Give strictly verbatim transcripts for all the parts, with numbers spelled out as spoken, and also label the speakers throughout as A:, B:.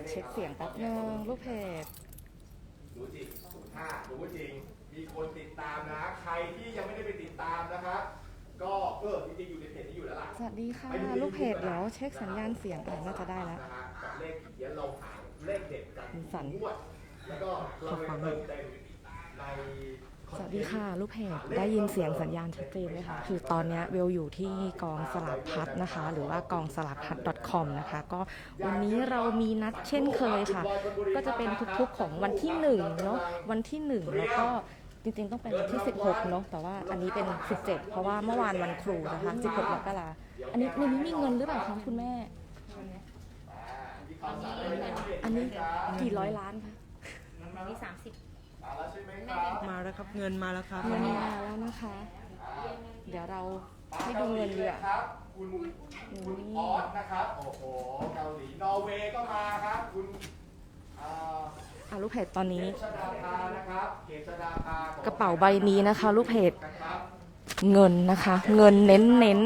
A: เช็คเสียงแป๊บนึงลูกเพจ
B: รู้จริงถ้ารู้จริงมีคนติดตามนะใครที่ยังไม่ได้ไปติดตามนะครับก็เออจริงๆอยู่ในเพจนี้อยู่แล้วล่ะ
A: สวัสดีค่ะลูกเพจเดี๋ยวเช็คสัญญาณเสียงอ่ะน่าจะได้แล้ว
B: กับเลขเดี๋ยวเราหาเลขเด็ดกันงวดแล้วก็เราไปเติมเต็มใน
A: สวัสดีค่ะลูกเพจได้ยินเสียงสัญญาณชัดเจนไหมคะคือตอนนี้เวลอยู่ที่กองสลากพัดนะคะหรือว่ากองสลากพัด .com นะคะก็วันนี้เรามีนัดเช่นเคยค่ะก็จะเป็นทุกๆของวันที่หนึ่งเนาะวันที่หนึ่งแล้วก็จริงๆต้องเป็นวันที่สิบหกเนาะแต่ว่าอันนี้เป็นสิบเจ็ดเพราะว่าเมื่อวานวันครูนะคะสิบหกมกราอันนี้ในนี้มีเงินหรือเปล่าคะคุณแม่อันนี้กี่ร้อยล้านคะ
C: อันนี้สามสิบ
D: มาแล้วครับเงินมาแล้วครับ
A: เงินมาแล้วนะคะเดี๋ยวเราให้ดูเงินดีอ่ะ
B: คุณคุณออสนะครับโอ้โหเกาหลีนอร์เวย์ก็มาครับคุณ
A: อ่าลูกเพจตอนนี้
B: ก
A: ระเป๋าใบนี้นะคะลูกเพจเงินนะคะเงินเน้นเน้น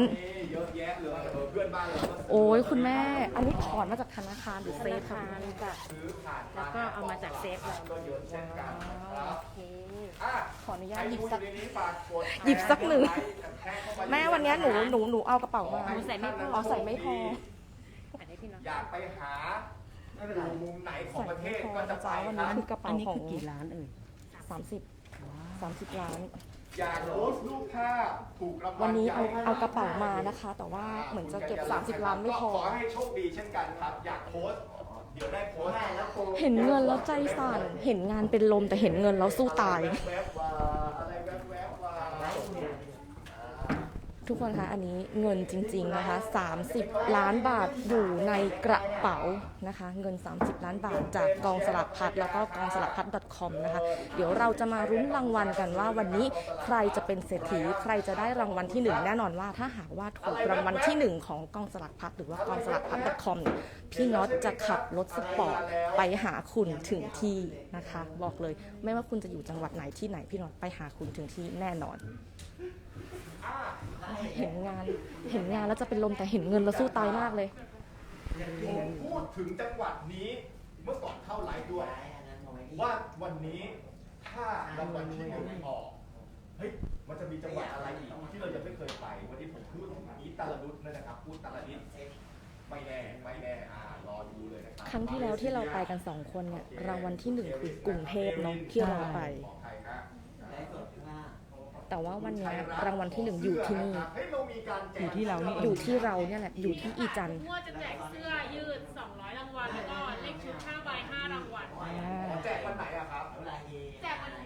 A: โอ้ยคุณแม่อันนี้ถอนมาจากธนาคารหรือเซฟคะ
C: จ้ะแล้วก็เอามาจากเซฟเลย
A: โอเคขออนุญาตหยิบสักหยิบสักหนึ่งแม่วันนี้หนูหนูหนูเอากระเป๋ามา
C: ใส่ไม่พอ
A: เอาใส่ไม่พอ
B: อยากไปหาอยู่มุมไหนของประเทศก็จะไป
A: วันนี้คือกระเป๋าของ
D: กี่ล้านเอ่ย
A: สามสิบสามสิบล้าน
B: อยากโพสต์รูปภาพถูกรางวัล
A: วันนี้เอาเอากระเป๋ามานะคะแต่ว่าเหมือนจะเก็บสามสิบล้านไม่พอ
B: ขอให้โชคดีเช่นกันครับอยากโพสต์เดี๋ยวได้โพสต์
A: เห็นเงินแล้วใจสั่นเห็นงานเป็นลมแต่เห็นเงินแล้วสู้ตายทุกคนคะอันนี้เงินจริงๆนะคะสามสิบล้านบาทอยู่ในกระเป๋านะคะเงินสามสิบล้านบาทจากกองสลากพัดแล้วก็กองสลากพัด .com นะคะเดี๋ยวเราจะมารุ้นรางวัลกันว่าวันนี้ใครจะเป็นเศรษฐีใครจะได้รางวัลที่หนึ่งแน่นอนว่าถ้าหากว่าถูกรางวัลที่หนึ่งของกองสลากพัดหรือว่ากองสลากพัด .com พี่น็อตจะขับรถสปอร์ตไปหาคุณถึงที่นะคะบอกเลยไม่ว่าคุณจะอยู่จังหวัดไหนที่ไหนพี่น็อตไปหาคุณถึงที่แน่นอนเห็นงานเห็นงานแล้วจะเป็นลมแต่เห็นเงินแล้วสู้ตายมากเลย
B: ผมพูดถึงจังหวัดนี้เมื่อก่อนเข้าไลฟ์ด้วยว่าวันนี้ถ้ารางวัลที่หนึ่งออกเฮ้ยมันจะมีจังหวัดอะไรอีกที่เรายังไม่เคยไปวันนี้ผมพูดถึงอีตาลดุษนะครับพูดตาลดิษไม่แน่ไม่แน่อ่ารอดูเลยนะครับ
A: ครั้งที่แล้วที่เราไปกันสองคนเนี่ยรางวัลที่หนึ่งคือกรุงเทพเนาะที่เราไปแต่ว่าวันนี้รางวัลที่หนึ่งอยู่ที่นี่
D: อยู่ที่เรานี่
A: อยู่ที่เราเนี่ยแหละอยู่ที่อีจันทร์
E: ว่าจะแจกเสื้อยืดสองร้อยรางวัลแล้วก็เลขชุดห้าใบห้ารางวัล
B: แจกวันไหนอะครับ
E: แจกวันไหน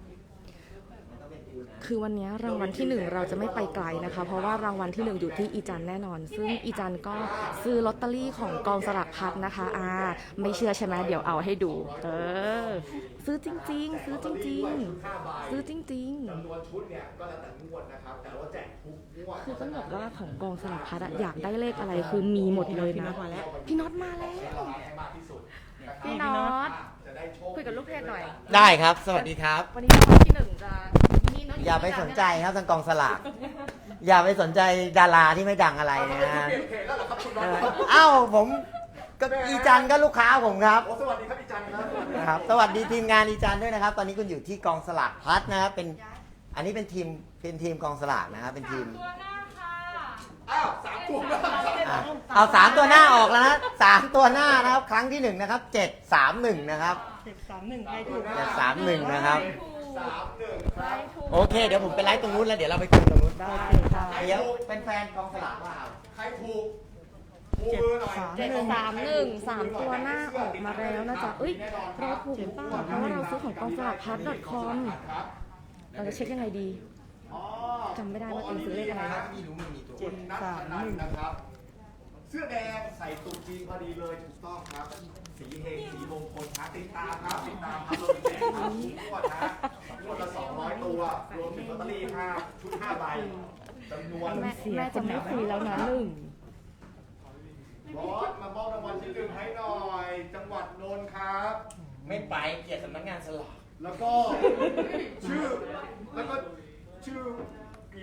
A: คือวันนี้รางวัลที่หนึ่งเราจะไม่ไปไกลนะคะเพราะว่ารางวัลที่หนึ่งอยู่ที่อีจันแน่นอนซึ่งอีจันก็ซื้อลอตเตอรี่ของกองสลากพัดนะคะอ่าไม่เชื่อใช่ไหมเดี๋ยวเอาให้ดูเออซื้อจริงๆซื้อจริงๆซื้อจริงๆ
B: จำนวนชุดเนี่ยก็แล้วแต่งวดนะครับแต่ว่าแจกทุกงวด
A: คือต้องบอกว่าของกองสลากพัดอยากได้เลขอะไรคือมีหมดเลยนะพี่น็อตมาแล้วพี่น็อตคุยกับลูกเพจหน่อย
F: ได้ครับสวัสดีครับ
A: วันนี้รางวัลที่หนึ่งจะ
F: อย่าไปสนใจครับทางกองสลากอย่าไปสนใจดาราที่ไม่ดังอะไรนะเอ้าผมก็อีจันก็ลูกค้าผมครับ
B: สวัสดีครับอีจัน
F: ครับสวัสดีทีมงานอีจันด้วยนะครับตอนนี้คุณอยู่ที่กองสลากพัดนะครับเป็นอันนี้เป็นทีมเป็นทีมกองสลากนะครับเป็นทีม
B: อ้าวสามตัวหน้า
F: เอาสามตัวหน้าออกแล้วนะสามตัวหน้านะครับครั้งที่หนึ่งนะครับเจ็ดสามหนึ่งนะครับ
D: เจ็ดสามหนึ่งใครถูก
F: เจ็ดสามหนึ่งนะครับ
B: สามหนึ่งครับ
F: โอเคเดี๋ยวผมไปไลฟ์ตรงนู้นแล้วเดี๋ยวเราไปคุยตรงนู้น
A: ได้ค่ะ
F: เดี๋ยวเป็นแฟนกองสลากว่า
B: ใครถูก
A: เจ็ดสามหนึ่งสามตัวหน้าออกมาแล้วนะจ๊ะเอ้ยเราถูกหรือเปล่าเพราะว่าเราซื้อของกองสลากพัด .com เราจะเช็คยังไงดีจำไม่ได้ว่าตัวซื้อเลขอะไร
B: เจ็ดสามหนึ่งนะครับเสื้อแดงใส่ตุ๊กจีนพอดีเลยถูกต้องครับสีเฮงสีมงคลครับติดตามครับติดตามครับรวมแจกครับทุกคนนะทุกคนละสองร้อยตัวรวมถึงลอตเตอรี่ห้าชุดห้าใบจำนวน
A: แม่แม่จะไม่คุยแล้วนะหนึ่ง
B: บอสมามอบรางวัลที่หนึ่งให้หน่อยจังหวัดนนท์ครับ
F: ไม่ไปเกียรติสำนักงานสลาก
B: แล้วก็ชื่อแล้วก็ชื่อกิ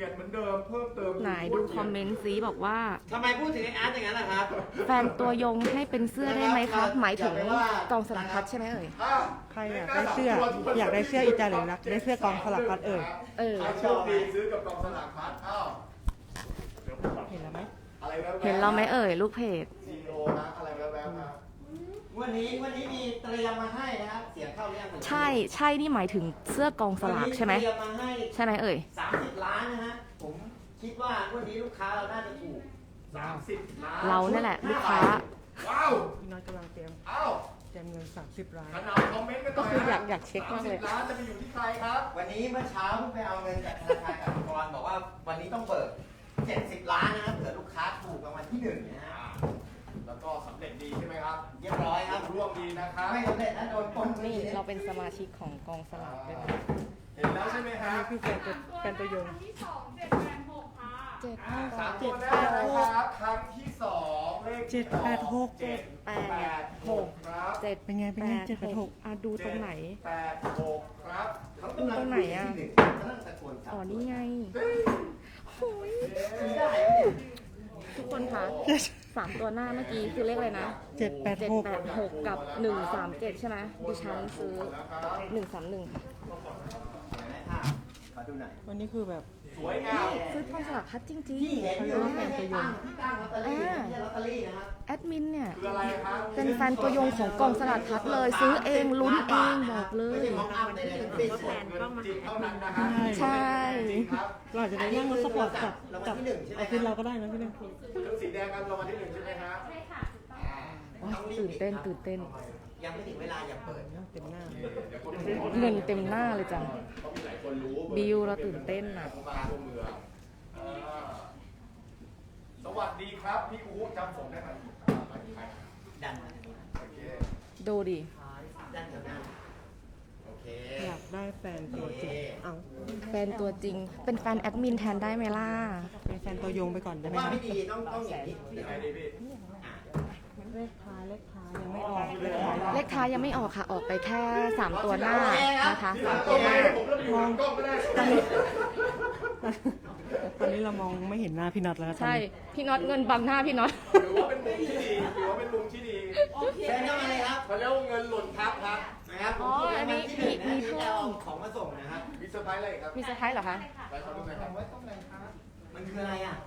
B: ยนเหมือนเดิมเพิ่มเติม
A: ไหนดูคอมเมนต์ซีบอกว่า
F: ทำไมพูดถึงไอ้อาร์ตอย่างนั้นล่ะครับ
A: แฟนตัวยงให้เป็นเสื้อได้ไหมคะหมายถึงกองสลักพัดใช่ไหมเอ่ย
B: อ้าว
D: ใครอยากได้เสื้อ อยากได้เสื้ออีจานหรือรักได้เสื้อกองสลักพัดเอ่ย
A: เออ
B: ใครโชคดีซื้อกับกองสลากพัดอ้าวเดี๋ยวผมก่อน
D: เห็นแล้วไหม
B: อะไรแว๊บๆ
A: เห็นเราไหมเอ่ยลูกเพจ
B: ซีโอนะอะไรแว๊บๆครับ
F: วันนี้วันนี้มีเตรียมมาให้นะครับ เสียงเข้าเรื่องเหมือนกัน
A: ใช่ใช่นี่หมายถึงเสื้อกองสลากใช่ไหม
F: วันนี้เตรียมมาให้
A: ใช่ไหมเอ่ย
F: สามสิบล้านนะฮะ ผมคิดว่าวันนี้ลูกค้าเราน่าจะถูก
B: สามสิบล้าน
A: เราเนี่ยแหละลูกค้า
B: ว้าว
D: พี่น้อยกำลังเตรียม
B: อ้าว
D: เตรียมเงินสามสิบล้าน
B: ขนาดคอมเมนต์กันห
A: ก็
B: น่อย
A: คืออยาก
B: นะ
A: อยากเช็คมากเลย
B: สสิบล้านจะไปอยู่ที่ใครครับ
F: วันนี้เมื่อเช้าเพิ่งไปเอาเงินจากธนาคารกสิกรบอกว่าวันนี้ต้องเบิกเจ็ดสิบล้านนะครับเผื่อลูกค้าถูกรางวัลที่หนึ่งนะฮะ
B: แล้วก็สำเร็จดีใช่ไหมครับ
F: เรียบร้อยครับ
B: ร่วมดีนะครับ
F: ไม่สำเร็จนะโดนปล้น
A: นี่เราเป็นสมาชิกของกองสลากด้วยนะ
B: เห็นแล้วใช่ไหมค
D: อัน
B: รับ
D: นี้คือแฟนตัวแฟนตัวยง
E: ที่สองเจ็ดแปดหกค่ะ
A: เจ็ด
B: อ่าสาม
A: เจ็
B: ตัว
A: ด
B: แร
A: แป
B: ก
A: ด
B: นะครับครั้งที่สองเลข
D: เจ็ดแปดหก
B: เจ็ด
A: แป
B: แป
A: ด
B: ด
A: ห
B: ห
A: ก
B: กครับ
A: เจ็ด
D: เป็นไงเป็นไงเจ็ดแปดหก
A: อ่ะดูตรงไหน
B: แปดหกครับ
F: เขากำลัง
A: ตรงไหนอะ
F: คุยที่หนึ่งกำลังตะโกนจับ
A: อ๋อนี่ไงโอ้ย
F: คุยได้ไหมเนี่ย
A: ทุกคนคะสามตัวหน้าเมื่อกี้คือเลขอะไรนะ
D: เจ็ดแปด
A: เจ็ด
D: หก
A: แปดหกกับหนึ่งสามเจ็ดใช่ไหมดิฉันซื้อหนึ่งสามหนึ่ง
F: เห็นไหมภาพขอดูหน่อย
D: วันนี้คือแบบ
B: สวยงาม
A: ซื้อกองสลากพัดจริง
F: ที่เห็นอยู่นี่ไม่ใช่ตั้งที่ตั้งลอตเตอรี่นะไม่ใช่ลอตเตอรี่นะครับ
A: ๆแอดมินเนี่ย
B: คืออะไรครับ
A: เป็นแฟนตัวยงของกองสลากพัดเลย ซื้อเองลุ้นเองบอกเล
F: ไม่
A: ย
F: ใช่มองอัพใดๆทั้งสิ้น
E: แทนกล้องมา
B: จริง
E: หา
B: เท่านั้นนะครับ
A: ใช่
B: จริงครับ
D: เราอาจจะได้นั่งรถสปอร์ตกับ
F: รางวัล
D: กับ
F: ที่หนึ่งใช่ไหม
D: เอา
F: ค
D: คืน
F: รั
D: เรา
F: บ
D: ก็ได้นะพี่หนึ่ง
B: ชุดสีแดงกันรางวัลที่หนึ่งใช่ไหมครับ
E: ใช่ค่ะ
A: ว้ายตื่นเต้นตื่นเต้น
F: ยังไม่ถึงเวลาอย่าเปิด
D: เต็มหน้า
B: เดี๋ยวคน
A: เงินเต็มหน้าเลยจ้ะ
B: เขามีหลายคนรู้
A: บิวเราตื่นเต้นอ่ะ
B: เขามาทั่วเมืองอ่าสวัสดีครับ พี่อู๋จำผมได้ไหมอ่าหมายถึงใคร
F: ดันมาทางนี้
B: โอเค
A: ดูดิ
F: ดันแถวหน้าโอเค
D: อยากได้แฟนตัวจริงเอา
A: แฟนตัวจริง เป็นแฟนแอดมินแทนได้ไหมล่ะ
D: เป็นแฟนตัวยงไปก่อน
F: ผ
D: ได้
F: ม
D: ไหม
F: ว่า
D: คะ
F: ไม่ดีต้องต้องอย่างนี้เดี๋
B: ยั
F: ยว
B: งไงดีพี่
D: เลขท้ายเลขท้ายยังไม่ออกเลขท้าย
A: เลขท้ายยังไม่ออกค่ะ ออกไปแค่สามตัวหน้านะคะสามตัวหน้า
B: ผมเริ่มอยู่กล้องก็ได้
D: ตอนนี้เรามองไม่เห็นหน้าพี่นัทแล้วครับ
A: ใช่ พี่น็อตเงินบังหน้าพี่น็อต
B: ถือว่าเป็นมุมที่ดีถือว่าเป็นมุมที่ดี
F: เชิญเข้ามาเลยครับ
B: เขาเรียกว่าเงินหล่นทับครับ
F: นะครับผม
A: อ๋ออันนี้
F: ที่หนึ่งนะ
A: มี
F: ที่
A: เพิ่ม
F: จะเอาของมาส่งนะครับ
B: มีเซอร์ไพรส์อะไรอีกครับ
A: มีเซอร์ไพรส์เหรอคะ
B: ไปขอดูหน่อยครับ
F: มันคืออะไรอ่ะ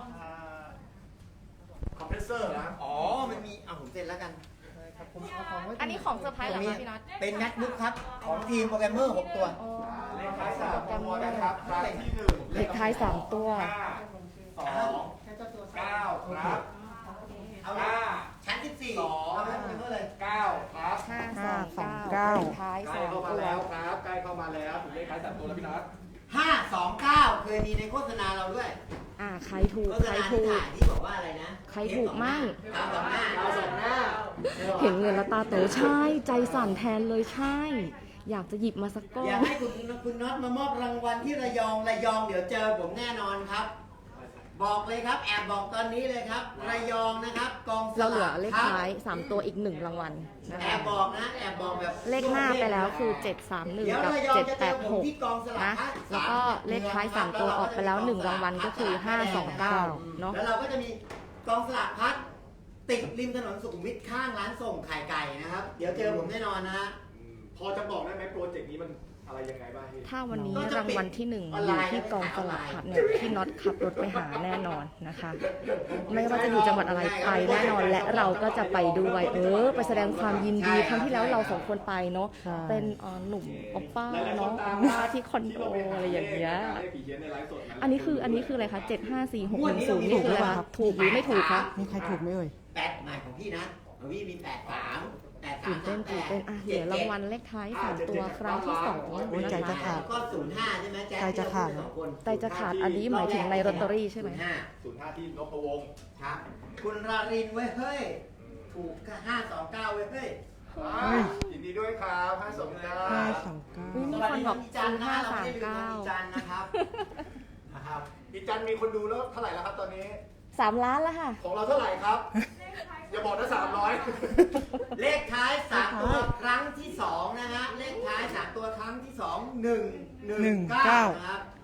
B: คอมเพรสเซอร์นะ
F: อ๋อ มันมีเอาผมเซ็นแล้วกัน
A: อันนี้ของเซอร์ไพรส์เหรอ
F: มี
A: คะพี่น็อต
F: เป็น MacBook ครับ ของทีมโปรแกรมเมอร์หกตัว
A: อ๋อ
B: เลขท้ายสามตัวนะครับครั้งที่หนึ่ง
A: เลขท้ายสามตัว
B: ห้าสองเก้าครับ
F: เอา
B: ห้า
F: ชั้นสิบสี่
B: สอง
F: เอาไปเพิ่มเลย
B: เก้าครับ
A: ห้าสองเก้าเลขท้าย
B: ใกล้
A: สาม
B: เข้ามา
A: ตัว
B: แล้วครับใกล้เข้ามาแล้วถึงเลขท้ายสามตัวแล้วพี่น็อต
F: ห้าสองเก้าเคยมีในโฆษณาเราด้วย
A: อ่าใครถูก
F: โฆษ
A: ใคร
F: ณา
A: ถู
F: ที่
A: ก
F: ถ่ายที่บอกว่าอะไรนะ
A: ใครถูกมั่ง
F: ดาวสองหน้า
B: ดาวสองหน้า
A: เห็นเงินแล้วตาโตใช่ ใจสั่นแทนเลยใช่ อยากจะหยิบมาสักก้อ
F: อยาน กให้คุณคุณน็อตมามอบรางวัลที่ระยองระยองเดี๋ยวเจอผมแน่นอนครับ บอกเลยครับแอบบอกตอนนี้เลยครับ ระยองนะครับกองส
A: เราเหลื
F: ลา
A: อก เลข
F: ครับ
A: ท้ายสามตัวอีกหนึ่งรางวัลนะ
F: แอ
A: คะ
F: บบอกนะแอบบอกแบบ
A: เลขหน้าไปแล้วคือเจ็ดสามหนึ่ง
F: เดี๋ยว
A: กับ
F: ระยอง
A: เจ็ด
F: จะ
A: แป
F: เจอ
A: ด
F: ผ
A: ห
F: ม
A: ก
F: ที่กองสลาก
A: นะ
F: พัด
A: แล้วก็เลขท้ายสามตัวออกไปแล้วหนึ่งรางวัลก็คือห้าสองเก้าเนาะ
F: แล้วเราก็จะมีกองสลากพัดติดริมถนนสุขุมวิทข้างร้านส่งไข่ไก่นะครับ เดี๋ยวเจอผมแน่นอนนะฮะ
B: อืมพอจะบอกได้ไหมโปรเจกต์นี้มันอะไรยังไงบ้างพี่
A: ถ้าวันนี้
F: ก็จะ
A: รางวัลที่หนึ่ง
F: ออน
A: อ
F: ไล
A: ยู่
F: น์
A: ที่กอง
F: นะ
A: ส
F: คะ
A: ลากพัดเนี่ยพี่น็อตขับรถไปหาแน่นอนนะคะ ไม่ว่าจะอยู่จังหวัดอะไรไปแน่นอนและเราก็จะไปด้วยเออ ไปแสดงความยินดีครั้งที่แล้วเราสองคนไปเนาะเป็นเอ่อหนุ่มโอปป้าเนาะโอปป้าที่คอนโดอะไรอย่างเงี้ย
B: เลขผีเขียนในไลฟ์สดะ
A: อันนี้คืออันนี้คืออะไรคะเจ็ดห้าสี่หกหนึ่งศูนย์นี่คืออะไรคะถูกหรือไม่ถูกคะ
D: มีใครถูกไหมเอ่ย
F: แปดหมายของพี่นะของพี่มีแปดสามแปดสาม
A: ตื่นเต้นตื่นเต้นอ่ะเดี๋ยวรางวัลเลขท้ายสามตัวครั้งที่สอง
D: โอ้ยใจ
A: นะ
D: จะ
A: คะ
D: ขาด
F: แล้วก็ศูนย์ห้าใช่ไหมแจ๊ค
D: ใจจะขาด
F: สองคน
A: ใจจะขาดอันนี้หมายถึงในลอตเตอรี่ใช่ไหม
F: ศูนย์ห้า
B: ศูนย์ห้าที่นพวงศ์
F: ครับ คุณรารินเว้ยเฮ้ย ถูกห้าสองเก้าเว้ยเฮ้ย
B: อ่ายินดีด้วยครับห้าสองเก้า
D: ห้าสองเก้า
A: อุ๊ยมีคนบอกซื้อห้าสามเก้า
F: มีจันทร์นะครับ นะครับ
B: อีจันมีคนดูแล้วเท่าไหร่แล้วครับตอนนี้
A: สามล้านแล้วค่ะ
B: ของเราเท่าไหร่ครับ อย่าบอกนะสามร้อย
F: เลขท้ายสามตัวครั้งที่สองนะฮะ เลขท้ายสามตัวครั้งที่สองหนึ่งหนึ่งเก้านะครับ
D: ห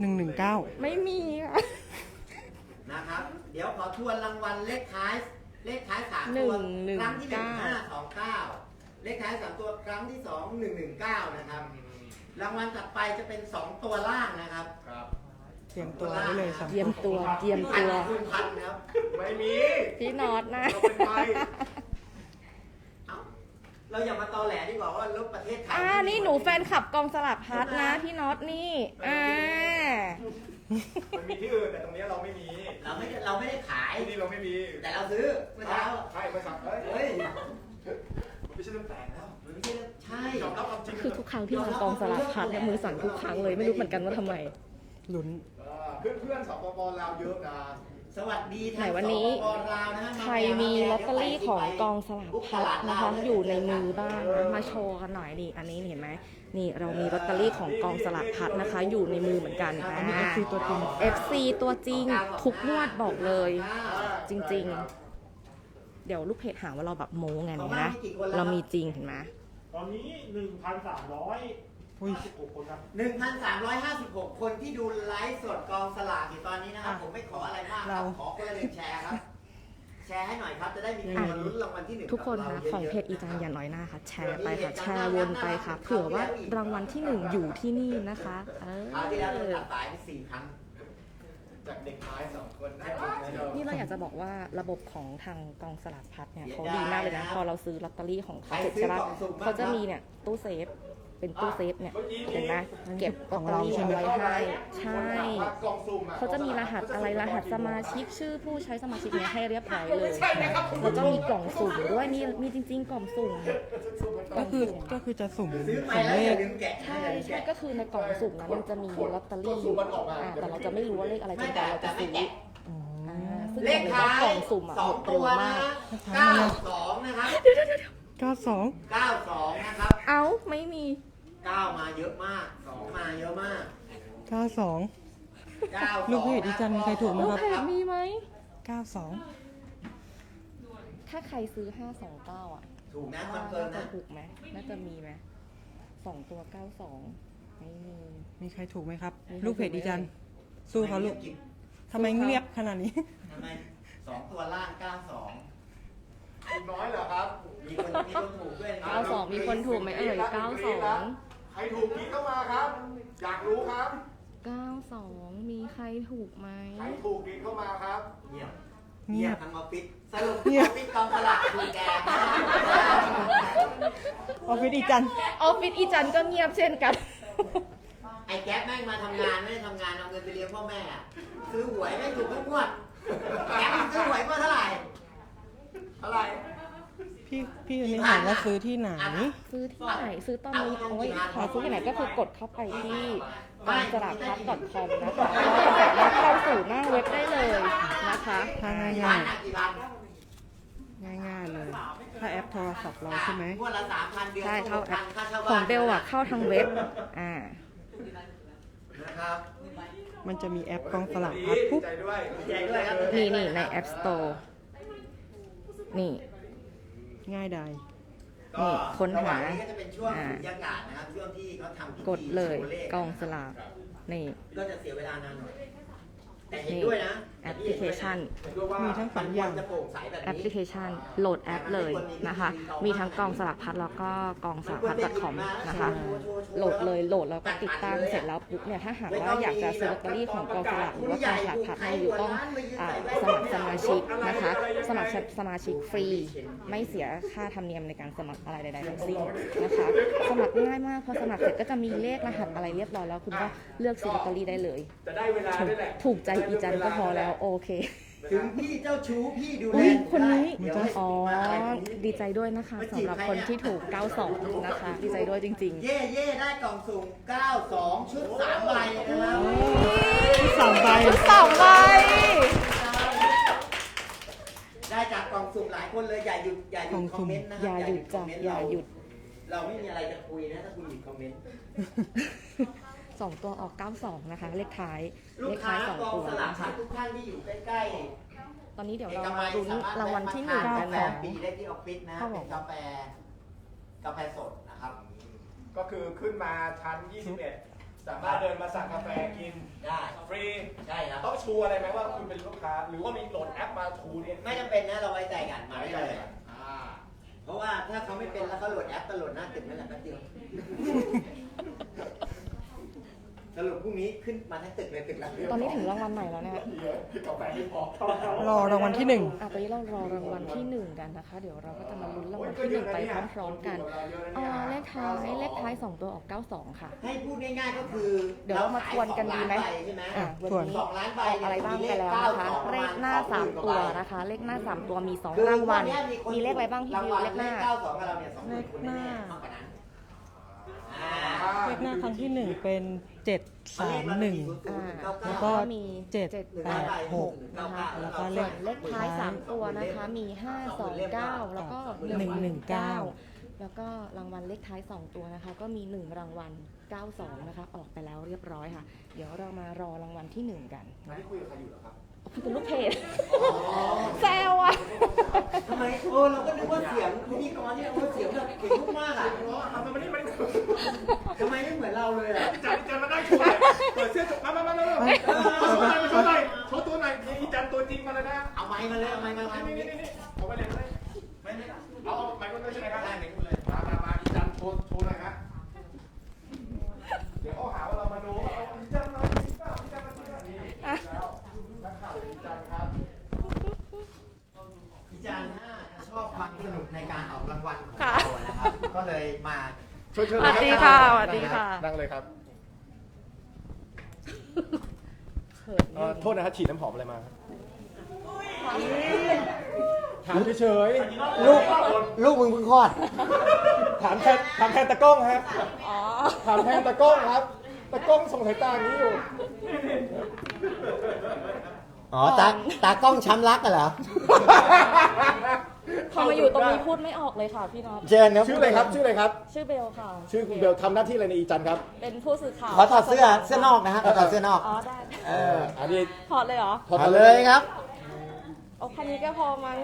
D: หนึ่งหนึ่งเก้า
A: ไม่มีค่ะ
F: นะครับ เดี๋ยวขอทวนรางวัลเลขท้ายเลขท้ายสาม
A: หนึ่
F: ตัว
A: งหนึ่ง
F: ครั้งที่หนึ่ง
A: เก้า
F: ห้าสองเก้าเลขท้ายสามตัวครั้งที่สองหนึ่งหนึ่งเก้านะครับรางวัลถัดไปจะเป็นสองตัวล่างนะครับ
B: ครับ
D: เตรียมตัวไว้เลยสอง
A: เตรียมตัวเตรียม
F: พัน
A: ตัว
F: คูณพันครับ
B: ไม่มี
A: พี่น็อตนะ
B: เราเป็นใคร
F: เอ้าเราอย่ามาตอแหลดีกว่าว่ารถประเทศไทย
A: อ่า นี่หนูแฟนคลับกองสลับพัดนะพี่น็อตนี่ อ่า
B: มันมีที่อื่นแต่ตรงนี้เราไม่มี
F: เราไม่ได้เราไม่ได้ขาย
B: ที่นี่เราไม่มี
F: แต่เราซื้อเมื่อเช้า
B: ใช่ไม่สับเฮ้ย
F: เฮ้ย
B: มันไม่ใช่เรื่องแปลกแล้ว
F: มันไม่ใช่เรื่องใช่
B: ยอมรับความจริง
A: คือทุกครั้งที่มากองสลับพัดเนี่ยมือสั่นทุกครั้งเลยไม่รู้เหมือนกันว่าทำไม
D: ลุ้น
B: เพื่อนเพื่อนๆสปปลาวเยอะนะ
F: สวัสดี
A: ไหนวันนี้
F: สปปลาวนะฮะ
A: ใครมีลอตเตอรี่ของกองสลากพัดนะคะอยู่ในมือบ้างนะมาโชว์กันหน่อยดิอันนี้เห็นไหมนี่เรามีลอตเตอรี่ของกองสลากพัดนะคะ อยู่ในมือเหมือนกัน
D: อันนี้ เอฟ ซี ตัวจริง
A: เอฟซีตัวจริงทุกงวดบอกเลย จริงๆ เดี๋ยวลูกเพจหาว่าเราแบบโม้ไงนะ เรามีจริงเห็นไหม
G: ตอนนี้หนึ่งพันสามร้อย
D: อุ้ย
G: สิบหกคนครับ
F: หนึ่งพันสามร้อยห้าสิบหกคนที่ดูไลฟ์สดกองสลากอยู่ตอนนี้นะครับ
D: อ่ะ
F: ผมไม่ขออะไรมากค
D: เรา
F: รับขอคนละหนึ่งแชร์ครับ แชร์ให้หน่อยครับจะได้มีคนมาลุ้นรางวัลที่หนึ่ง
A: ทุกคน
F: กับ
A: คะ
F: รา
A: ของ
F: ยะๆ
A: เพจอีจานอย่าน้อยหน้าค่ะ แชร์ไปค่ะ แชร์วนไปค่ะ เผื่อว่ารางวัลที่หนึ่งอยู่ที่นี่นะคะเอ
F: คราวที่แล้วเรา
A: อ
F: ตัดสายไปสี่ครั้ง
B: จากเด็กท้ายสองคนนะ
A: นี่เราอยากจะบอกว่าระบบของทางกองสลากพัดเนี่ยเขาดีมากเลยนะ พอเราซื้อลอตเตอรี่ของเขาเสร็จใช่ปะเขาจะมีเนี่ยตู้เซฟ เป็นตู้เซฟเนี่ยเห็นไหมเก็บลอตเตอรี่เอาไว้ให้ใช่
B: กล่องสุ่มอะ
A: เขาจะมีรหัสอะไรรหัสสมาชิกชื่อผู้ใช้สมาชิกเนี่ยให้เรียบร้อยเลยแล้วก็มีกล่องสุ่มด้วยมีมีจริง ๆ กล่องสุ่ม
D: ก็คือก็คือจะสุ่ม
F: ซื้อไป
D: สุ่ม
F: แล้ว
D: เล
F: อย่า
D: ข
F: ลืมแกะ
A: ใช่ใช่ก็คือในกล่องสุ่มนั้นมันจะมีลอตเตอรี่อยู่อ่าแต่เราจะไม่รู้ว่าเลขอะไรจนกว่าเราจะซื้อ
D: อ๋อ
A: อ่าซึ่ง
F: เลข
A: บอก
F: ท้า
A: ว่ากล่
F: ย
A: องสุ่มอ่ะ
F: สอ
A: หม
F: ง
A: ด
F: ตั
A: เร็ว
F: ว
A: มา
F: นะ
A: ก
F: เก้าสองนะครับ
D: เก้าสอง
F: เก้าสองนะครับ
A: เอ้าไม่มี
F: เก้ามาเยอะมากสองมาเยอะมาก
D: เก้าสอง
F: เก้าสอง
D: ลูกเพจอีจันมีใครถูกไหม
A: ลูก
D: ครับ
A: เพจมีไหม
D: เก้าสอง
A: ถ้าใครซื้อห้าสองเก้าอ่ะ
F: ถูกนะคอนเฟิร์ม
A: น่า
F: นะ
A: จะถูกไหมน่าจะมีไหมสองตัวเก้าสองไม่มี
D: มีใครถูกไหมครับ
A: มีใคร
D: ลูกเพจอีจัน สู้เขาลูก
F: ท
D: ทำไมเงียบขนาดนี้
F: ำไมสองตัวล่างเก้าสอง
B: คุณน้อยเหรอครับ
F: มีคนมีคนถูกด้วยนะ
A: เก้าสองมีคนถูกไหมเอ่ยเก้าสอง
B: ใครถูกนี้เข้ามาครับ อยากรู้ครับ
A: เก้าสองมีใครถูกไหม
B: ใครถูกนี้เข้ามาครับ
F: เงียบ
D: เงียบ
F: ทั้งออฟฟิศสรุป
D: เงี
F: อย
D: บ
F: อฟฟิศกองสลากคือแก
D: ออฟฟิศอีจัน
A: ออฟฟิศอีจันก็เงียบเช่นกัน
F: ไอ้แก๊ปแม่งมาทำงานไม่ได้ทำงานเอาเงินไปเลี้ยงพ่อแม่อะซื้อหวยไม่ถูกทุกงวดแก๊ปมันซื้อหวยเมื่อเท่าไหร่เท่าไหร่
D: พี่พี่คนนี้ถามว่าซื้อที่ไหน
A: ซื้อที่ไหนซื้อตอนนี้โอ้ยหาซื้อที่ไหนก็คือกดเข้าไปที่กองสลากพัด .com นะคะแล้วสามารถเข้าสู่หน้าเว็บได้เลยนะคะ
D: ถ้า
F: กี่
D: ง่า
F: พั
D: ย
F: นอะกี่พัน
D: ๆง่ายๆเลย ถ้าแอปโทรศัพท์เราใช่ไหม
F: งวดละสามพันเดือน
A: ใช่เข้าแอป
F: ค่าช่า
A: ของ
F: บ้าน
A: เบลอะเข้าทางเว็บอ่า
F: นะครับ
D: มันจะมีแอปกองสลากพัดปุ๊บ
B: ใจด้วย
F: ดีใจด้วยครับ
A: นี่นี่ใน App Store นี่
D: ง่ายดาย
A: นี่ค้นหา
F: ระว่งนี้ก็จะเป็นช่วง
A: อ่า
F: สุญญากาศนะครับช่วงที่เขาทำพิธี
A: กดเลย
F: โชว์ข
A: กองสลากนี่
F: ก็จะเสียเวลานานหน่อยแต่เห็นด้วยนะ
A: แอปพลิเคชัน
D: มีทั้งส
F: มั
D: อน ง
F: ค
D: อ
F: ว
D: ย่าร ง
F: จะโปร่งใสแบบ
A: แอปพ
F: นี้
A: ลิเคชันโหลดแอปเลยนะคะ มีทั้งกองสลากพัดแล้วก็กองสลากพัด .com นะคะ โหลดเลยโหลดแล้วก็ติดตั้งเสร็จแล้วปุ๊บเนี่ยถ้าหากว่าอยากจะซื้อลอตเตอรี่ของกองสลากหรือว่ากองสลากพัดเนี่ยอยู่ต้องอ่าสมัครสมาชิกนะคะ สมัครสมาชิกฟรี ไม่เสียค่าธรรมเนียมในการสมัครอะไรใดๆทั้งสิ้นนะคะ สมัครง่ายมากพอสมัครเสร็จก็จะมีเลขรหัสอะไรเรียบร้อยแล้วคุณก็เลือกซื้อลอตเตอรี่ได้เลย
B: จะได้เวลาด้วยแหละ
A: ถูกใจอีจันก็พอแล้วโอเค
F: ถึงพี่เจ้าชู้พี่ดูแล
A: อุ้ยคนนี้
F: เดี๋ยวให้
A: อ๋อ
F: มาอะไรพวกนี้
A: ดีใจด้วยนะคะสำหรับคนที่ถูก เก้าสอง นะคะ ดีใจด้วยจริง
F: เย่เย่ได้กล่องสุ่มเก้าสองชุดสามใบนะครับ
D: ที่สองใบ
A: ๆชุดสองใบ
F: ได้จากกล่องสุ่มหลายคนเลยอย่าหยุดอย่าหยุดคอมเมนต์นะค
A: อ
F: รับ
A: ย่าหยุด
F: ค
A: จ้ะ
F: อมเมนต์
A: อย่า
F: เรา
A: หยุด
F: เราไม่มีอะไรจะคุยนะถ้าคุณหยุดคอมเมนต์
A: สองตัวออก เก้าสอง นะคะ เลขท้าย
F: ลู
A: เล
F: ก
A: ข
F: ค้า
A: ท้ายสอง
F: กอง
A: ตัว
F: สลาก
A: นะ
F: พั
A: คะ
F: ดทุกท่านที่อยู่ใกล้ๆ
A: ตอนนี้เดี๋ยว
F: เอ
A: เรา
F: ก
A: มา
F: มัย
A: ลุ้น
F: สมถ
A: รางวัลที่หนึ่ง
F: แวะ
A: กัน
F: มาทานกาแฟ
A: นะ
F: ฟรีได้ที่ออฟฟิศนะ
A: ครับผม
F: เป็นกาแฟกาแฟสดนะครับ
B: ก็คือขึ้นมาชั้น ยี่สิบเอ็ด สามารถเดินมาสั่งกาแฟกิน
F: ได้
B: ชูอะไรไหมว่าคุณเป็นลูกค้า หรือว่ามีโหลดแอปมาชูเนี่ย
F: ไม่จำเป็นนะเราไว้ใจกันมา
B: ไม่
F: ได้
B: ได้
F: เลย
B: อ่า
F: เพราะว่าถ้าเขาไม่เป็นแล้วเขาโหลดแอปก็โหลดหน้าตึกนั่นแหละแป๊บเดียวสรุปพรุ่งนี้ขึ้นมาทั้งตึกเลยตึกละ
A: ตอนนี้ถึงรางวัลไหนแล้วเนี่ย
B: กาแฟไม่พอ
D: รอรางวัลที่หนึ่ง
A: อ่ะตอนนี้เรารอรางวัลที่หนึ่งกันนะคะ เดี๋ยวเราก็จะมาลุ้นรางวัลที่หนึ่งไปพร้อมๆกันเอ่อเลขท้ายเลขท้ายสองตัวออกเก้าสองค่ะ
F: ให้พูดง่ายๆก็คือ
A: เดี๋ยวเรามาทวนกันดีไหม
F: เราขายสองล้านใบใช่ไหม
A: อ่ะวัน
D: ทวน
A: นี้
F: สองล้านใบ
A: ออกอะไรบ้างไปแล้วนะคะ เลขหน้าสามตัวนะคะ เลขหน้าสามตัวมีสองรางวัล มีเลขอะไรบ้างพี่บิวเลขหน้า
F: เก้าสองกับเราเนี่ยสองคน
D: เลขหน้า
F: มากกว่านั้น
D: เลขหน้าครั้งที่หนึ่งเป็นเจ็ดสามหนึ่ง
A: อ่า
D: แล้วก็
A: มี
D: เจ็ด
A: เจ็ด
D: แปดหก
A: นะคะ
D: แล้วก็เล
A: ส่ว
D: ข
A: นเลขท้ายสามตัวนะคะ มีห้าสองเก้าแล้วก็หนึ่งหนึ่งเก้าแล้วก็รางวัลเลขท้ายสองตัวนะคะ ก็มีหนึ่งรางวัลเก้าสองนะคะ ออกไปแล้วเรียบร้อยค่ะ เดี๋ยวเรามารอรางวัลที่หนึ่งกัน
B: อันนี้คุยกับใครอยู่เหรอครับ
A: พี่เป็นลูกเพจแซวอ่ะ
F: ทำไมโอ้เราก็นึกว่าเสียงพิธีกรเนี่ยโอ้เสียงแบบเก่งมากๆอ่ะ
B: ทำไมนี่มัน
F: ทำไมไม่เหมือนเราเลยอ่ะ
B: จันจันมาได้ชูเลยเปิดเสื้อจบมามามามามาโชว์หน่อยโชว์ตัวหน่อยอีจันตัวจริงมาเลยนะ
F: เอาไม้มาเลยเอาไม้มา
B: นี่
F: มา
B: นี่นี่นี่เอาไปเลยเลยไม่ไม่เอาเอาไมค์คนเลยใช่ไหมครับได้ไมค์คนเลยมามามาอีจันโชว์โชว์หน่อยฮะเดี๋ยวเขาหาว่าเรามาดูว่าเอาอีจันมาอีจันอีจันมานี่แล้วนักข่าวอีจันครับ
F: พี่จันน่าจะชอบความสนุกในการออกรางวัลของ
A: ค่ะ
F: เรานะครับ ก็เลยมา
B: เชิญเชิญ
A: สวัสดีค่ะสวัสดีค่ะ
B: นั่งเลยครับ
A: เขิน
B: เอ่อโทษนะครับฉีดน้ำหอมอะไรมาถามเฉย
F: ลูกลูกมึงเพิ่งคลอด
B: ๆถามแทนถามแทนตะกล้องครับ
A: อ๋อ
B: ถามแทนตะกล้องครับ ตะกล้องส่งสายตาอย่างนี้อยู่
F: อ๋อตาตากล้องช้ำรักกันเหรอ
A: พอมาอยู่ตรงนี้พูดไม่ออกเลยค่ะพี่น็อต
F: เชิญครับ
B: ชื่ออะไรครับ ชื่ออะไรครับ
A: ชื่อเบลค่ะ
B: ชื่อคุณเบลทำหน้าที่อะไรในอีจันครับ
A: เป็นผู้สื่อข่าว
F: ขอถอดเสื้อเสื้อนอกนะฮะขอถอดเสื้อนอก
A: อ๋อได้
F: เออ
B: อันนี้
A: ถอดเลยเหรอ
B: ถอด
F: เอาเลยครับ
A: โอ้แค่นี้ก็พอมั้ง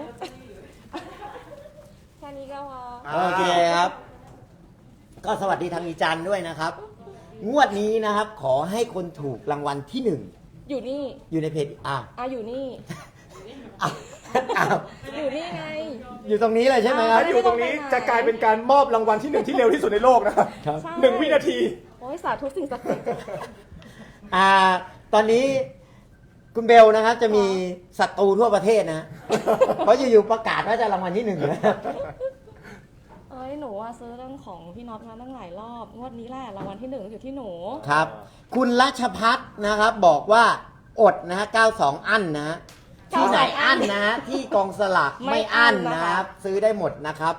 A: แค่นี้ก็พอ
F: โอเคครับ ก็สวัสดีทางอีจันด้วยนะครับ งวดนี้นะครับ ขอให้คนถูกรางวัลที่หนึ่ง
A: อยู่นี่
F: อยู่ในเพจอ้าว
A: อ่ะอยู่นี่
F: อ้าวอ้าว
A: อยู่นี่ไง
F: อยู่ตรงนี้เลยใช่ไหมค
A: อ้า
F: รับ
A: ว
B: อยู่ตรงนี้จะกลายเป็นการมอบรางวัลที่หนึ่งที่เร็วที่สุดในโลกนะครับ
F: ครับ
A: ใช่
B: หนึ่งวินาที
A: โอ้ยสาธุสิ่งศักดิ์สิทธิ์
F: อ่า ตอนนี้คุณเบลนะครับ จะมีศัตรูทั่วประเทศนะ เพราะอยู่ๆประกาศว่าจะรางวัลที่หนึ่งนะ
A: เอ้ยหนูว่าซื้อเรื่องของพี่น็อตมาตั้งหลายรอบ งวดนี้แหละรางวัลที่หนึ่งอยู่ที่หนู
F: ครับ คุณรัชพัฒน์นะครับ บอกว่าอดนะฮะเก้าสองอั้นนะฮะที่ไหนอั้นนะฮะที่กองสลากไม่อั้นนะครับ ซื้อได้หมดนะครับ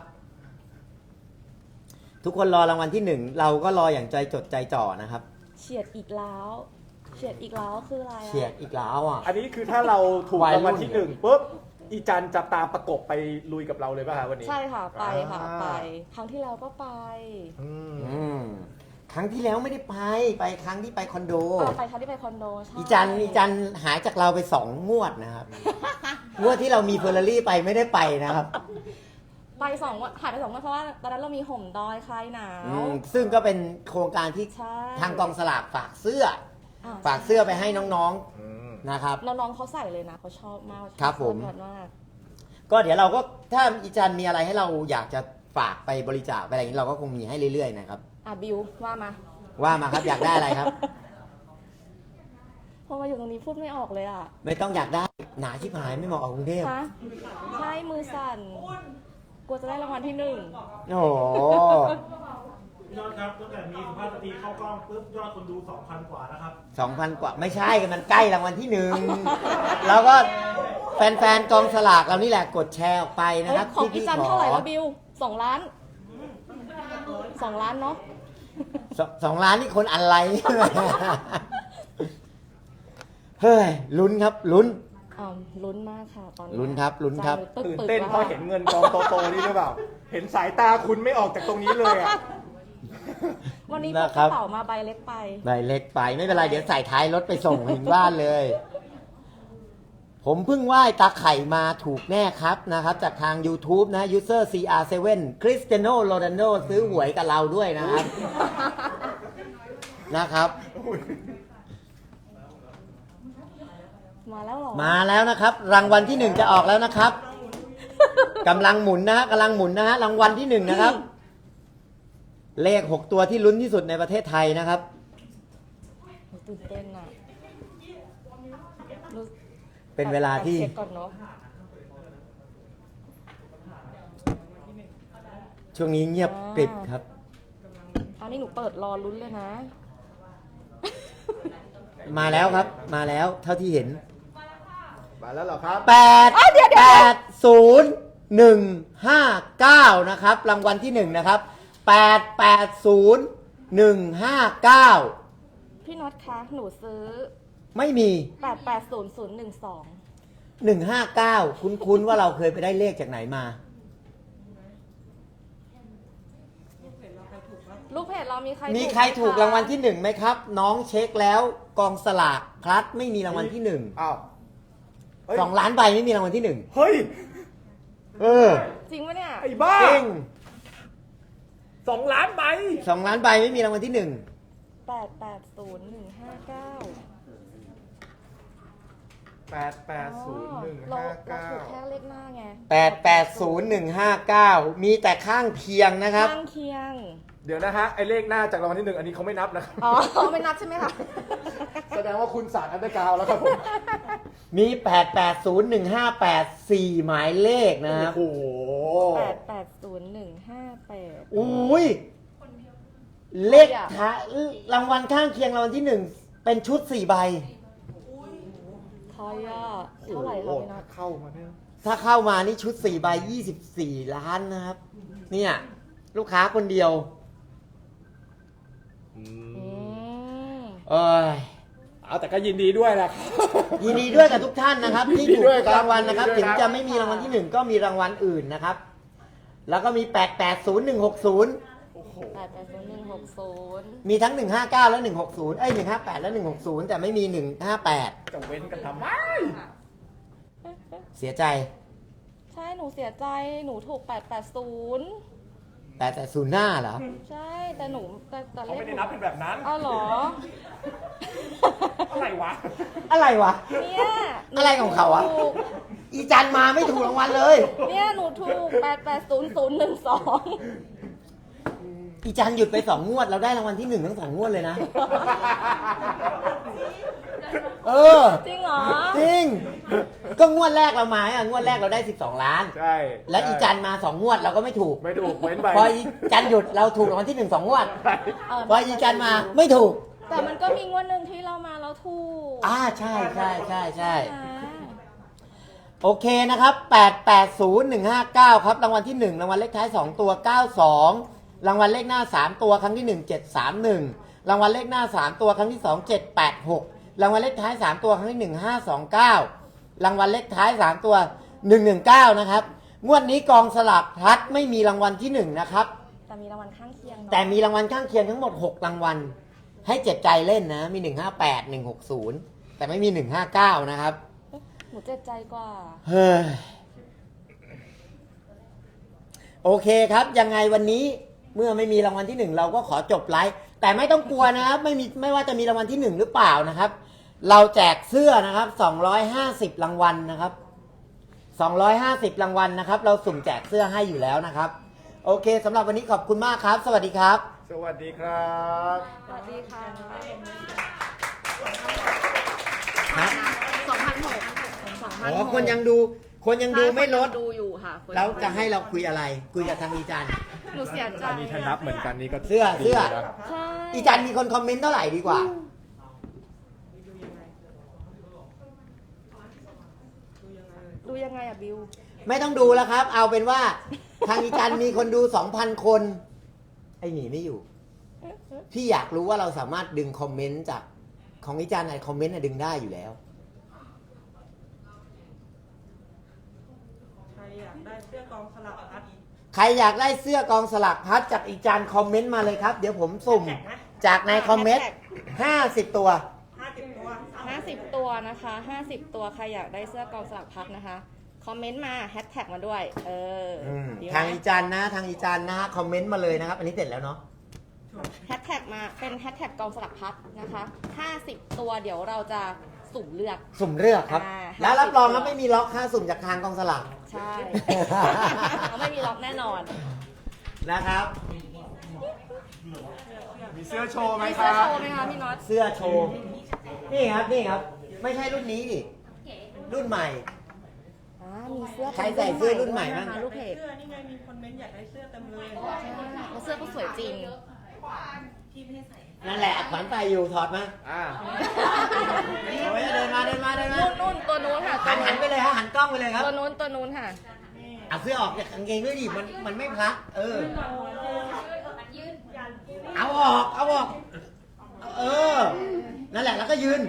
F: ทุกคนรอรางวัลที่หนึ่งเราก็รออย่างใจจดใจจ่อนะครับ
A: เฉียดอีกแล้ว เฉียดอีกแล้วคืออะไรอะ
F: เฉียดอีกแล้วอ่ะ
B: อันนี้คือถ้าเราถูก
F: วัยรุ่น
B: รางวัลที่หนึ่งปุ๊บ อีจันจะตามประกบไปลุยกับเราเลยป่ะฮะวันนี้
A: ใช่ค่ะไปค่ะ
B: อ่า
A: ไป ครั้งที่แล้วก็ไป
B: อืม
F: อืมครั้งที่แล้วไม่ได้ไป ไปครั้งที่ไปคอนโด
A: เออไปครั้งที่ไปคอนโดใช่
F: อีจันอีจันหายจากเราไปสองงวดนะครับ งวดที่เรามีเฟอร์รารี่ไปไม่ได้ไปนะครับ
A: ไปสองวันหายไปสองวันเพราะว่าตอนนั้นเรามีห่มดอยคลายหนาว
F: อืมซึ่งก็เป็นโครงการที่
A: ใช่
F: ทางกองสลากฝากเสื้อ
A: อ่ะ
F: ฝากเสื้อไปให้น้อง
B: อืม
F: ๆนะครับ
A: น้องๆเขาใส่เลยนะเขาชอบมากเขาชอ
F: ครับผม
A: เสื้อมาก
F: ก็เดี๋ยวเราก็ถ้าอีจันมีอะไรให้เราอยากจะฝากไปบริจาคไปอะไรอย่างนี้เราก็คงมีให้เรื่อยๆนะครับ
A: อ่ะบิวว่ามา
F: ว่ามาครับอยากได้อะไรครับ
A: พอมาอยู่ตรงนี้พูดไม่ออกเลยอ่ะ
F: ไม่ต้องอยากได้หนาชิบหายไม่เหมาะกับกรุงเทพ
A: ฮะใช่มือสั่นกลัวจะได้รางวัลที่หนึ่ง
F: โอ้โห
G: ยอดครับตั้งแต่มีสุภาพสตรีเข้ากล้องปุ๊บยอดคนดู สองพัน กว่านะครับ
F: สองพันกว่าไม่ใช่มันใกล้รางวัลที่หนึ่งแล้วก็แฟนๆกองสลากเรานี่แหละกดแชร์ออกไปนะ
A: เอ้ย
F: ครับ
A: ของ
F: ที่
A: อี
F: พี่
A: จัน
F: ขอ
A: เท่าไหร่แล้วบิวสองล้านสองล้านเนาะ
F: สองสองล้านนี่คนอะไร เฮ้ยลุ้นครับลุ้น
A: อ่าลุ้นมากค่ะตอนนี้
F: ลุ้นครับลุ้นครับ
A: ใจ
B: ตื่น
A: ตึกๆ
B: เต้น
A: แล้ว
B: เพราะเห็นเงินกองโตๆนี่หรือเปล่า เห็นสายตาคุณไม่ออกจากตรงนี้เลยอ่ะ
A: วันนี้พ
F: นะ
A: ก
F: ค
A: ก
F: รับ
A: ระเป๋ามาใบเล็กไป
F: ใบเล็กไปไม่เป็นไรเดี๋ยวใส่ท้ายรถไปส่งถึงบ้านเลย ผมเพิ่งไหว้ตาไข่มาถูกแน่ครับนะครับ จากทาง YouTube นะ User ซี อาร์ เซเว่น Cristiano Ronaldo ซื้อหวยกับเราด้วยนะครับ นะครับ
A: มาแล้วเหรอ
F: มาแล้วนะครับ รางวัลที่หนึ่งจะออกแล้วนะครับกำลังหมุนนะฮะกำลังหมุนนะฮะรางวัลที่หนึ่งนะครับ เลขหกตัวที่ลุ้นที่สุดในประเทศไทยนะครับ
A: ตื่นเต้นอ่ะรู้
F: เป็นเวลาที่
A: เช็คก่อนเนาะ
F: ช่วงนี้เงียบกริบครับ
A: อันนี้หนูเปิดรอลุ้นเลยนะ
F: มาแล้วครับ มาแล้วเท่าที่เห็น
B: มาแล้วเหรอครับ
F: แปดแปดศูนย์หนึ่งห้าเก้านะครับ รางวัลที่หนึ่งนะครับแปดแปดศูนย์หนึ่งห้าเก้า
A: พี่น็อตคะ หนูซื้อ
F: ไม่มี
A: แปดแปดศูนย์ศูนย์หนึ่งสอง
F: หนึ่งห้าเก้าคุ้นๆว่าเราเคยไปได้เลขจากไหนมา
A: ลูกเพจเรามีใคร
F: มีใครถูกรางวัลที่หนึ่งไหมครับ น้องเช็คแล้วกองสลากพลัดไม่มีรางวัลที่หนึ่ง
B: อ้าวเฮ้ย
F: สองล้านใบไม่มีรางวัลที่หนึ่ง
B: เฮ้ย
F: เออ
A: จริงปะเนี่ย
B: ไอ้บ้า
F: จริง
B: สองล้านใบ
F: สองล้านใบไม่มีรางวัลที่หนึ่ง
A: แปดแปดศูนย์หนึ่งห้าเก้า
B: แปดแปดศูนย์หนึ่ง
A: เรา
B: ห้า
A: เรา
B: เก้า
A: ถูกแค่เลขหน้าไง
F: แปดแปดศูนย์หนึ่งห้าเก้ามีแต่ข้างเคียงนะครับ
A: ข้างเคียง
B: เดี๋ยวนะฮะ ไอ้เลขหน้าจากรางวัลที่หนึ่งอันนี้เขาไม่นับนะครับ
A: อ๋อ ไม่นับใช่ไหมคะ
B: แสดงว่าคุณสาดอันเดอร์กราวด์แล้วครับผม
F: มีแปดแปดศูนย์หนึ่งห้าแปด สี่หมายเลขนะครับ
B: โอ้โห
A: แปดแปดศูนย์หนึ่งห้าแปด
F: อุ้ยเลขท้ายรางวัลข้างเคียงรางวัลที่หนึ่งเป็นชุดสี่ใบ
A: ทอยอ่ะเท่าไหร่คะพี่น็อต
B: เข้ามาเนี่ย
F: ถ้าเข้ามานี่ชุดสี่ใบยี่สิบสี่ล้านนะครับ เนี่ย ลูกค้าคนเดียว
A: อืม
F: เอ้ย
B: เอาแต่ก็ยินดีด้วยนะครับ
F: ยินดีด้วยกับทุกท่านนะครับ ที่ถูก
B: ยินดีด้วยครับ
F: รางวัลนะครับ
B: ยินดี
F: ถึ
B: ด้วย
F: ง
B: ครับ
F: จะไม่มีรางวัลที่หนึ่งก็มีรางวัลอื่นนะครับ แล้วก็มีแปดแปดศูนย์หนึ่งหกศูนย์
B: โอ้โห
A: แปดแปดศูนย์หนึ่งหกศูนย์
F: มีทั้งหนึ่งห้าเก้าและหนึ่งหกศูนย์เอ้ยหนึ่งห้าแปดและหนึ่งหกศูนย์แต่ไม่มีหนึ่งห้าแปด
B: จะเว้นกันทำไม
F: เสียใจ
A: ใช่ หนูเสียใจ หนูถูกแปดแปดศูนย์
F: แต่แต่ศูนย์หน้าเหรอ
A: ใช่ แต่หนูแต่แต่
B: เขา
A: เลข
B: ไม่ได้นับเป็นแบบนั้น
A: อ้าวเหรอ
B: อะไรวะ
F: อะไรวะ
A: เนี่ยหนู
F: อะไรของเขาอะ
A: ถูก
F: อีจันมาไม่ถูกรางวัลเลย
A: เนี่ยหนูถูกแปดแปดศูนย์ศูนย์หนึ่งสอง
F: อีจันหยุดไปสองงวดเราได้รางวัลที่หนึ่งทั้งสองงวดเลยนะ เออ
A: จริงเหรอ
F: จริง ก็งวดแรกเรามาอ่ะงวดแรกเราได้สิบสองล้าน
B: ใช่
F: แล้วอีจันมาสองงวดเราก็ไม่ถูก
B: ไม่ถูกเว้นไป
F: พออีจันหยุดเราถูกรางวัลที่หนึ่งสองงวด
A: เออ
F: พออีจันมาไม่ถูก
A: แต่มันก็มีงวดหนึ่งที่เรามาแล้วถูก
F: อ่าใช่ใช่ใช่ใช่
A: อ่า
F: โอเคนะครับแปดแปดศูนย์หนึ่งห้าเก้าครับรางวัลที่หนึ่งรางวัลเลขท้ายสองตัวเก้าสองรางวัลเลขหน้าสามตัวครั้งที่หนึ่ง เจ็ดสามหนึ่งรางวัลเลขหน้าสามตัวครั้งที่สอง เจ็ดแปดหกรางวัลเลขท้ายสามตัวครั้งที่หนึ่ง ห้าสองเก้ารางวัลเลขท้ายสามตัวหนึ่งหนึ่งเก้านะครับงวดนี้กองสลากพลัดไม่มีรางวัลที่หนึ่งนะครับ
A: แต่มีรางวัลข้างเคียงเนาะ
F: แต่มีรางวัลข้างเคียงทั้งหมดหกรางวัลให้เจ็บใจเล่นนะมีหนึ่งห้าแปด หนึ่งหกศูนย์แต่ไม่มีหนึ่งห้าเก้านะครับ
A: หนูเจ็บใจกว่า
F: เฮ้ยโอเคครับยังไงวันนี้เมื่อไม่มีรางวัลที่หนึ่งเราก็ขอจบไลฟ์แต่ไม่ต้องกลัวนะครับไม่มีไม่ว่าจะมีรางวัลที่หนึ่งหรือเปล่านะครับ เราแจกเสื้อนะครับสองร้อยห้าสิบรางวัลนะครับสองร้อยห้าสิบรางวัลนะครับ เราสุ่มแจกเสื้อให้อยู่แล้วนะครับ โอเคสำหรับวันนี้ขอบคุณมากครับ สวัสดีครับ
B: สวัสดีครับ
A: สวัสดีค่ะ
F: ฮะ
A: สองพันหกสองพัน
F: อ๋อคนยังดูคนยังดูไม่ลด
A: ดูอยู่ค่ะคน
F: แล้วจะให้เราคุยอะไร คุยกับทางอีจัน
A: หนูเสียใจ
B: อันนี้ถ้านับเหมือนกันนี่ก็
F: เสื้อเสื้อ
B: ดีนะ
A: ใช่
F: อีจันมีคนคอมเมนต์เท่าไหร่ดีกว่า
A: ดูยังไงอะบิว
F: ไม่ต้องดูแล้วครับ เอาเป็นว่า ทางอีจันมีคนดูสองพันคน ไอหนีไม่อยู่ พี่อยากรู้ว่าเราสามารถดึงคอมเมนต์จากของอีจันไอคอมเมนต์น่ะดึงได้อยู่แล้ว
D: ใครอยากได้เสื้อกองสลักพัด
F: ใครอยากได้เสื้อกองสลักพัดจากอีจันคอมเมนต์มาเลยครับ เดี๋ยวผมสุ่มจากในคอมเมนต์ห้าสิบตัว
D: ห้าสิบตัว
A: ห้าสิบตัวนะคะห้าสิบตัวใครอยากได้เสื้อกองสลักพัดนะคะคอมเมนต์มาแฮชแท็กมาด้วย เอออ
F: อืม
A: ดีไหม
F: ทางอีจันนะ ทางอีจันนะคอมเมนต์มาเลยนะครับ อันนี้เสร็จแล้วเนาะ
A: แฮชแท็กมาเป็นแฮชแท็กกองสลักพัดนะคะห้าสิบตัวเดี๋ยวเราจะสุ่มเลือก
F: สุ่มเลือกครับ
A: อ่า
F: แล้วรับรองครับไม่มีล็อกค่าสุ่มจากทางกองสลาก
A: ใช่ เขาไม่มีล็อกแน่นอน
F: นะครับ
B: มีเสื้อโชว์ไหม
A: มี
B: ค
A: เสื้อ
B: รับ
A: โชว์ไหมคะพี่น็อต
F: เสื้อโชว์ นี่ครับนี่ครับ ไม่ใช่รุ่นนี้ดิรุ่นใหม่
A: อ่ามีเสื้อ
F: ใครใส่เสื้อรุ่นใหม่บ้าง
A: นะคะลูกเพจ
D: เสื้อนี่ไงมีคนเม้นต์อยากได้เสื้อเต็มเลย
A: แล้วเสื้อก็สวยจริง
F: นั่นแหละขวัญใส่อยู่ถอดมา
B: อ่า
F: เอาไว้เดินมาเดินมาเดินมา
A: นู่นนู่นตัวนู้นค่ะตั
F: หั
A: วน
F: หันไปเลยฮะหันกล้องไปเลยครับ
A: ตัวนู้นตัวนู้นค่ะ
F: เอาเสื้อออกจากกางเกงด้วยดิมันมันไม่พลักเออ เอาออกเอาออก เออ นั่นแหละแล้วก็ยืน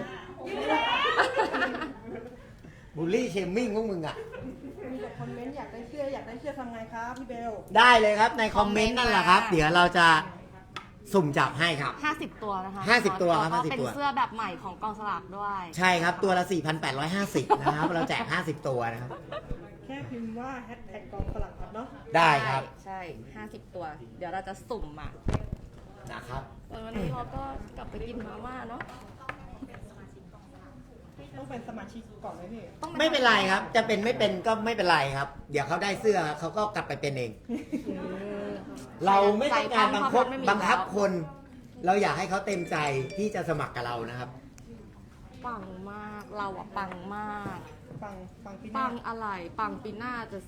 F: บูลลี่เชมมิ่งพวกมึงอ่ะ
D: มีแต่คอมเมนต์อยากได้เสื้ออยากได้เสื้อทำไงครับพี่เบล
F: ได้เลยครับในคอมเมนต์นั่นแหละครับ เดี๋ยวเราจะสุ่มจับให้ครับ
A: ห้าสิบตัวนะคะ
F: ห้าสิบตัวครับ
A: แล้วก็
F: ห้าสิบ
A: เป็น
F: ตัว
A: เสื้อแบบใหม่ของกองสลากด้วย
F: ใช่ครับตัวละ สี่พันแปดร้อยห้าสิบ นะครับ เราแจก ห้าสิบ ตัวนะครับ
D: แค่พิมพ์ว่าแฮชแท็กกองสลักพัดเนาะ
F: ได้ครับ
A: ใช่ห้าสิบตัว เดี๋ยวเราจะสุ่มอ่ะ
F: นะครับ
A: วันนี้เราก็กลับไปกินมาม่าเนาะ
D: ต้องเป็นสมาชิกก่อนไหมพี่
A: ต้อง
F: ไม่เป็นไรครับ จะเป็นไม่เป็นก็ไม่เป็นไรครับ เดี๋ยวเขาได้เสื้อเขาก็กลับไปเป็นเอง เราไม่ต้องการบังคับบังคับคน เราอยากให้เขาเต็มใจที่จะสมัครกับเรานะครับ
A: ปังมาก เราอะปังมาก
D: ฟังฟังพี่
A: ปั
D: น้าง
A: อะไร ปังปีหน้าจะสิ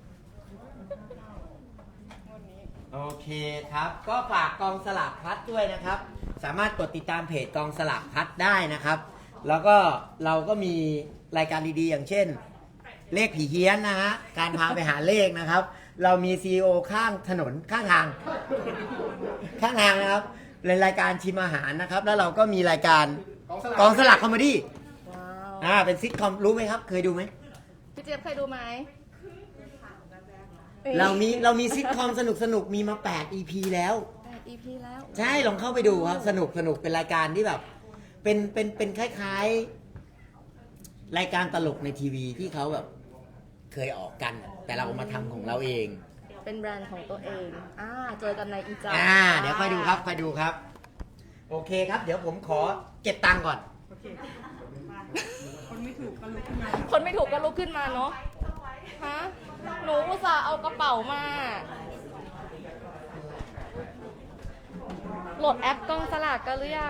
F: โอเคครับ ก็ฝากกองสลากพลัดด้วยนะครับ สามารถกดติดตามเพจกองสลากพลัดได้นะครับ แล้วก็เราก็มีรายการดีๆ อย่างเช่น เลขผีเฮี้ยนนะฮะ การพาไปหาเลขนะครับ เรามี ซี อี โอ ข้างถนนข้างทาง ข้างทางนะครับเป็นรายการชิมอาหารนะครับ แล้วเราก็มีรายการกองสลากคอมเมดี้
A: ว้าว
F: อ่าเป็นซิทคอมรู้ไหมครับ เคยดูไหม
A: พี่เจี๊ยบเคยดูไหม
F: เรามีเรามีซิทคอมสนุกสนุกๆมีมา แปด อี พี แล้ว
A: แปด อี พี แล้ว
F: ใช่ลองเข้าไปดูครับ สนุกสนุกเป็นรายการที่แบบ เป็นเป็นเป็นคล้ายๆ รายการตลกในทีวีที่เขาแบบ เคยออกกัน แต่เราเอามาทำของเราเอง
A: เป็นแบรนด์ของตัวเอง อ่า เจอกันในอีจา
F: อ่า เดี๋ยวค่อยดูครับค่อยดูครับ โอเคครับ เดี๋ยวผมขอเก็บตังค์ก่อน
D: โอเคมาคนไม่ถูกก็ลุกขึ้นมา
A: คนไม่ถูกก็ลุกขึ้นมาเนาะ ฮะ หนูอุตส่าห์เอากระเป๋ามา โหลดแอปกองสลากกันหรือยัง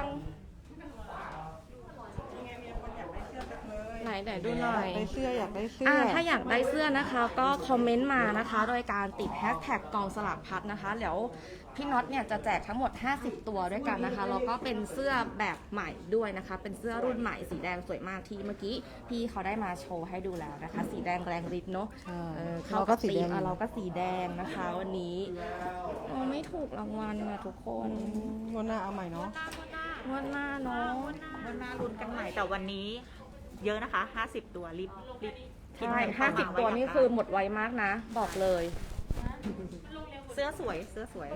D: ยังไงมีคนอยากได้เสื้อเต็มเลย
A: ไหนไหนดูหน่อย
D: ได้เสื้ออยากได้เสื้อ
A: อ่าถ้าอยากได้เสื้อนะคะก็คอมเมนต์มานะคะ โดยการติดแฮชแท็กกองสลากพัดนะคะเดี๋ยวพี่น็อตเนี่ยจะแจกทั้งหมดห้าสิบตัวด้วยกันนะคะแล้วก็เป็นเสื้อแบบใหม่ด้วยนะคะ เป็นเสื้อรุ่นใหม่สีแดงสวยมากที่เมื่อกี้พี่เขาได้มาโชว์ให้ดูแล้วนะคะ สีแดงแรงฤทธิ์เนาะ
D: ใช่
A: เออ
D: เราก็สีแดง
A: อ่ะเราก็สีแดงนะคะ วันนี้โอ้ไม่ถูกรางวัลนะทุกคน
D: งวดหน้าเอาใหม่เนาะ
A: งวดหน้าเนาะ
C: วันหน้าลุ้นกันใหม่แต่วันนี้ เยอะนะคะ ห้าสิบ ตัวรีบรีบกิน
A: ใช่
C: กัน
A: ห้า
C: เข้
A: สิบ
C: ม
A: ตัว
C: ไะ
A: นี่คือหมดไวมากนะ บอกเลย
C: เสื้อสวยเสื้อสวย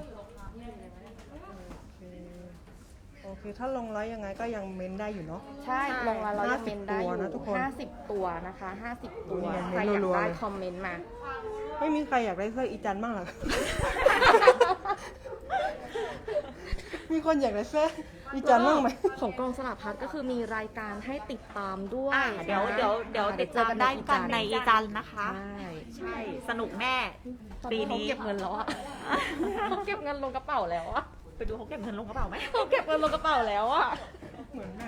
D: โอเค ถ้าลงไลฟ์ยังไงก็ยังเม้นได้อยู่เนาะ
A: ใช่ลงมาเรายัง
D: ห้าสิ
A: เม
D: บ
A: นได้อ
D: ตัว
A: ยู่
D: นะทุกคน
A: ห้าสิบตัวนะคะห้าสิบตัว
D: เนี่ย
A: ใครอยาก
D: รัวๆ
A: ได้
D: เลย
A: คอมเมนต์มา
D: ไม่มีใครอยากได้เสื้ออีจันบ้างเหรอ มีคนอยากได้เสื้ออีจันบ้างไหม
A: ของกองสลากพัดก็คือมีรายการให้ติดตามด้วย
C: อ่าเดี๋ยว
A: นะ
C: เดี๋ยวเดี๋ยว
A: อ่า
C: ติดตามได้กันในอีจันนะคะ
A: ใช่
C: ใช่ สนุกแน่
A: ตอน
C: ปี
A: นี้เขา
C: นี้
A: เก็บเงินแล้วอะ เขาเก็บเงินลงกระเป๋าแล้วอะ
C: ไปดูเขาเก็บเงินลงกระเป๋าไหม
A: เขาเก็บเงินลงกระเป๋าแล้วอะ
D: เหมือนแบบ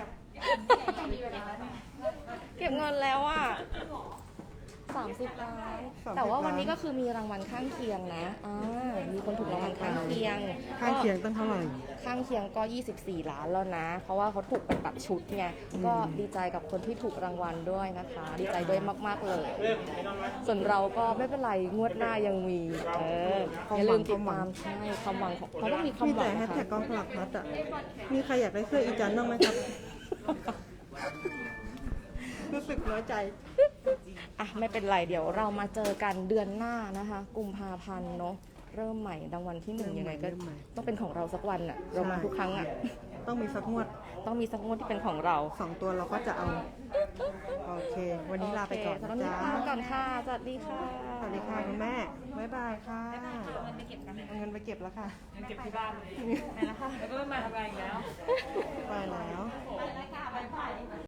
A: เก็บเงินแล้วอะสามสิบล้าน แต่ว่าวันนี้ก็คือมีรางวัลข้างเคียงนะอ่ามีคนถูกรางวัลข้างเคียง
D: ข้างเคียงตั้งเท่าไหร่
A: ข้างเคียงก็ยี่สิบสี่ล้านแล้วนะ เพราะว่าเขาถูกเป็นแบบชุดไง ก็ดีใจกับคนที่ถูกรางวัลด้วยนะคะ ดีใจด้วยมาก ๆ เลย ส่วนเราก็ไม่เป็นไร งวดหน้ายังมี เออ อย่าลืมติดตามใช่ความหวังของเขาต้องมีความ
D: มี
A: หวั
D: แต่
A: ง
D: แฮ
A: นะ
D: ชแท็
A: คะ
D: กกองสลักพัดอ่ะ มีใครอยากได้เสื้ออีจันบ้างไหมครับ รู้สึกน้อยใจ
A: อ่ะไม่เป็นไร เดี๋ยวเรามาเจอกันเดือนหน้านะคะ กุมภาพันธ์เนาะ เริ่มใหม่รางวัลที่หนึ่งยังไงก็
D: เริ่มใหม่
A: ต้องเป็นของเราสักวันอะเรามาทุกครั้งอะ
D: ต้องมีสักงวด
A: ต้องมีสักงวดที่เป็นของเรา
D: สองตัวเราก็จะเอา โอเค วันนี้ลาไปก่อน
A: โเค
D: นะ
A: ตอนนี้
D: จ๊ะ
A: ลาไปก่อนค่ะ สวัสดีค่ะ
D: สวัสดีค่ะคุณแม่ บ๊ายบายค่ะเอาเงินไปเก็บแล้วค่ะ
E: เก็บที่บ้านไปแล้วค่ะแล้วก็ไม่มาทำงานอีกแล้ว
D: ไปแล้ว